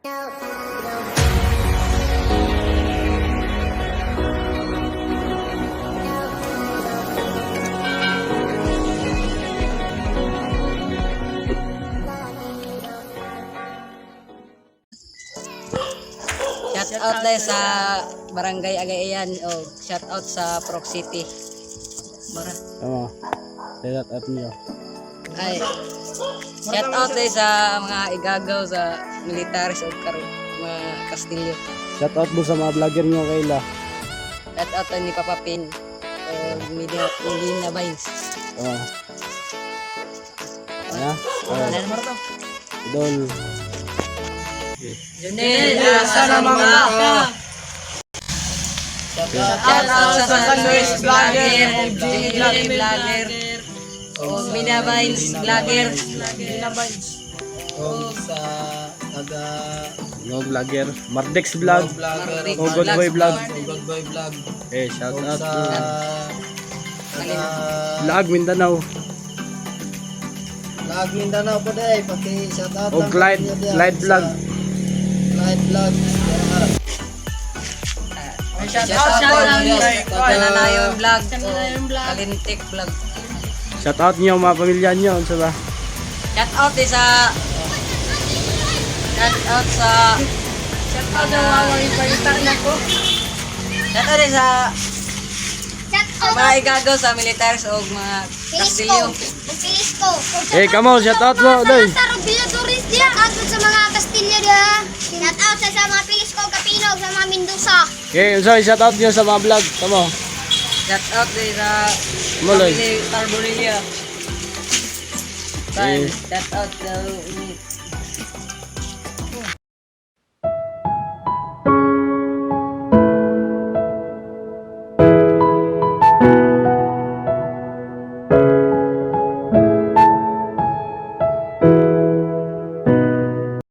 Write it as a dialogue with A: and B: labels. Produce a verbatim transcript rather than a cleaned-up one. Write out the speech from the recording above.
A: Shout out tayo sa Barangay Agayan o shout out sa Proc City. Bara.
B: Tama. Shout out niyo.
A: Ay. Shout out tayo sa mga igagaw sa militaris o karo mga Kastilyo.
B: Shout out mo sa mga vlogger niyo kaila.
A: Shout out tayo ni Papa Pin o Medina, Medina Vines.
B: Tama. Ano?
A: Ano mo to?
B: Idol.
A: Junel, asa na mga ka? Shout out sa Sunrise Vlogger, Junel Vlogger, o Medina Vines Vlogger, Medina Vines.
C: O sa taga
B: No vlogger. Mardex vlog.
A: Mardex
B: O God Boy vlog.
C: God Boy Vlog.
B: Eh, shout
C: O
B: out
C: sa
B: to
C: taga
B: Vlog Mindanao.
C: Vlog Mindanao po day pati shout out
B: O Clyde, Clyde vlog.
C: Clyde Vlog.
A: Shout out sa Tananayon Vlog, Kalintik Vlog.
B: Shout out niyo mga pamilya niyo unsa ba?
A: Shout out din sa Shout out sa Shout out na mga ipalitan na ko. Shout out din sa mga igagaw sa militaris o mga Kastilyo.
D: Pilisco.
B: Eh, come on, shout out mo, doy.
D: Sa Rubiladoris dia. Shout out sa mga Kastilyo dia. Shout out sa, sa mga Pilisco, Kapinog, sa mga Mendoza.
B: Okay, so shout out niyo sa mga vlog. Tama.
A: Shout out din sa
B: Muloy.
A: Family Tarborelia.
B: Eh.
A: Shout out sa